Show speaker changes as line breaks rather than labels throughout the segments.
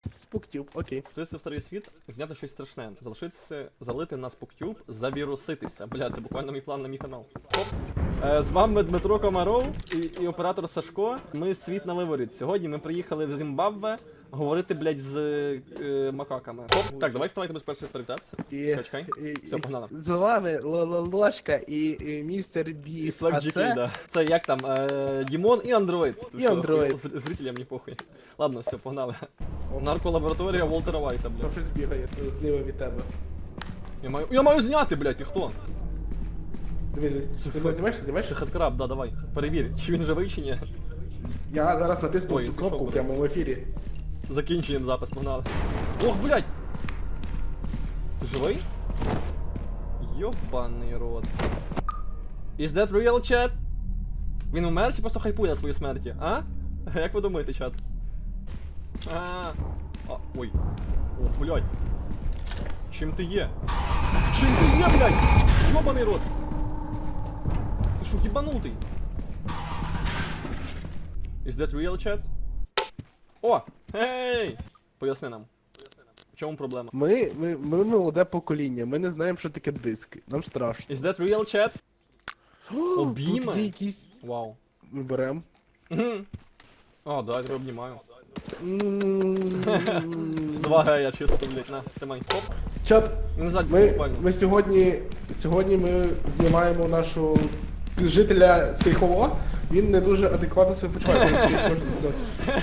Спуктюб, окей.
Це старий світ, зняти щось страшне. Залишитися, залити на спуктюб, завіруситися. Бля, це буквально мій план на мій канал. Хоп. З вами Дмитро Комаров і оператор Сашко. Ми світ на виворіт. Сьогодні ми приїхали в Зімбабве говорити, блядь, з макаками. Хоп. Так, давай вставайте без першої привітатися. Чекай. Все, погнали.
З вами Ложка і містер Біст.
Слав GK, да. Це як там, Дімон і Андроїд.
І Андроїд.
Зрителям не похуй. Ладно, все, погнали. Нарколабораторія Волтера Вайта, блядь.
Там щось бігає зліва від тебе.
Я маю зняти, блядь, ти хто?
Дивись, ти мене знімаєш? Знімаєш?
Це хедкраб, да, давай. Перевір, чи він живий, чи ні.
Я зараз натисну
Ой,
ту
ти
кнопку
що,
прямо в ефірі.
Закінчуємо запис, погнали. Ох, блядь! Ти живий? Йобаний рот. Is that real, chat? Він умер чи просто хайпує на своїй смерті, а? Як ви думаєте, чат? Ой. Ох, блядь. Чим ти є? Чим ти є, блядь? Йобаний рот! Ти що, їбанутий? Is that real, chat? О! Гей! Поясни нам. В чому проблема?
Ми молоде покоління, ми не знаємо, що таке диски. Нам страшно.
Is that real, chat? Обійми?
Тут є якісь...
Вау.
Ми берем.
О, да, я тебе обнімаю.
М.
Два гея чисто, блядь, на, тримай. Хоп.
Чат,
Не ззаді,
ми
буквально.
сьогодні ми знімаємо нашого жителя Сейхово. Він не дуже адекватно себе почуває, коли скільки можна сказати.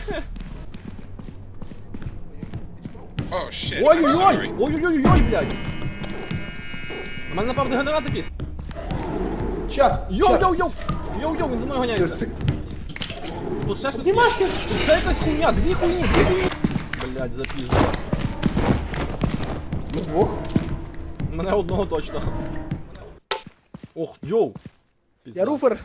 Oh shit.
Ой-ой-ой!
Sorry.
Ой-ой-ой, блядь! У мене напав дегенерат якийсь.
Чат!
Йоу-йоу-йоу! Йоу-йоу, він за мною
Це
ганяється. Тут ще щось є.
Знімашся!
Тут ще якась хуйня, дві хуйні! Блядь, запізно.
Ми двох.
Мене одного точно. Ох, йоу!
Я руфер.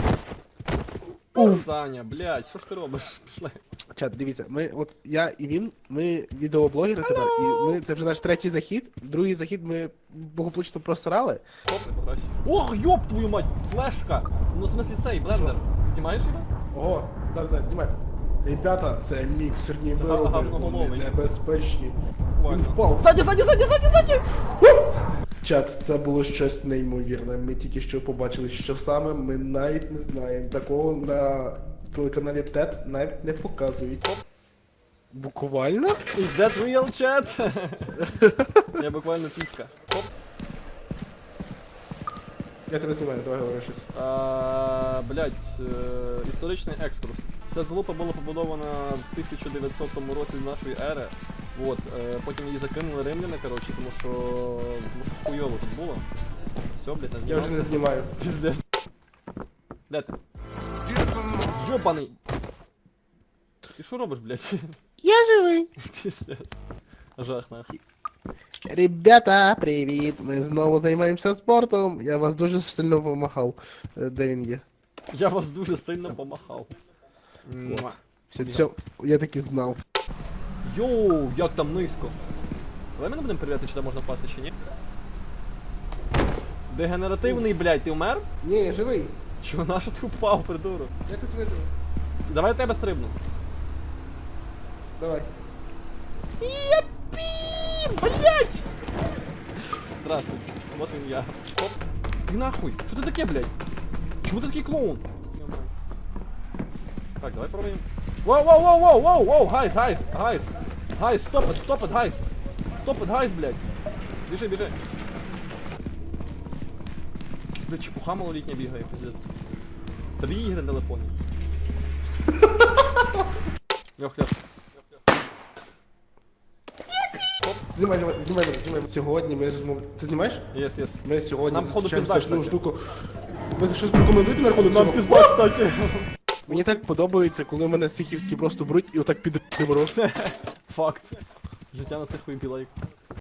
Саня, блядь, що ж ти робиш? Пішли.
Чат, дивіться, я і він, ми відеоблогери тепер, і це вже наш третій захід. Другий захід ми благополучно просрали.
Хоп, не покраще. Ох, йоп твою мать, флешка! Ну, в смислі цей, блендер. Знімаєш його?
Ого, так, знімай. Ребята, це міксерні
Це
вироби, вони
гавноголовий.
небезпечні. Він
Буквально.
впав.
Ззаді!
Чат, це було щось неймовірне. Ми тільки що побачили, що саме, ми навіть не знаємо. Такого на телеканалі ТЕТ навіть не показують. Буквально?
Is that real, chat? Я буквально піска. Хоп.
Я тебе знімаю, давай говори щось.
Блять, історичний екскурс. Ця залупа була побудована в 1900 році нашої ери. Вот, потім її закинули римляни, коротше, тому що хуйово тут було. Все, блять, не
Я
знімав.
вже не знімаю.
Пиздец. Де ти? Йобаний! Ти що робиш, блять?
Я живий.
Пиздец. Жах нахуй.
Ребята, привіт! Ми знову займаємося спортом. Я вас дуже сильно помахав. Де він є?
Я вас дуже сильно помахав. Муа.
Все, я таки знав.
Йоу, як там низько. Давай ми не будемо перевіряти, чи там можна впасти, чи ні. Дегенеративний, блядь, ти вмер?
Ні, я живий.
Чого, на що ти впав, придурок?
Якось вижив.
Давай я тебе стрибну.
Давай.
Блядь! Здравствуй, вот він я. Хоп. Ти нахуй, що ти таке, блядь? Чому ти такий клоун? Так, давай пробуємо. Воу, гайс, стоп it, гайс. Стоп it, гайс, блядь. Біжи. Блядь, чепуха малолітня бігає, пиздец. Тобі ігри на телефоні. Льох.
Знімай. Сьогодні ми розмовляємо. Ти знімаєш?
Єс.
Ми сьогодні
Нам, походу,
зустрічаємося
пізда,
з одну
кстати.
штуку. Ви щось прокоментуєте на рахунок
Нам
цього?
пізда, кстати.
Мені так подобається, коли мене сихівські просто беруть і отак під ребро.
Факт. Життя на цих вибілайк.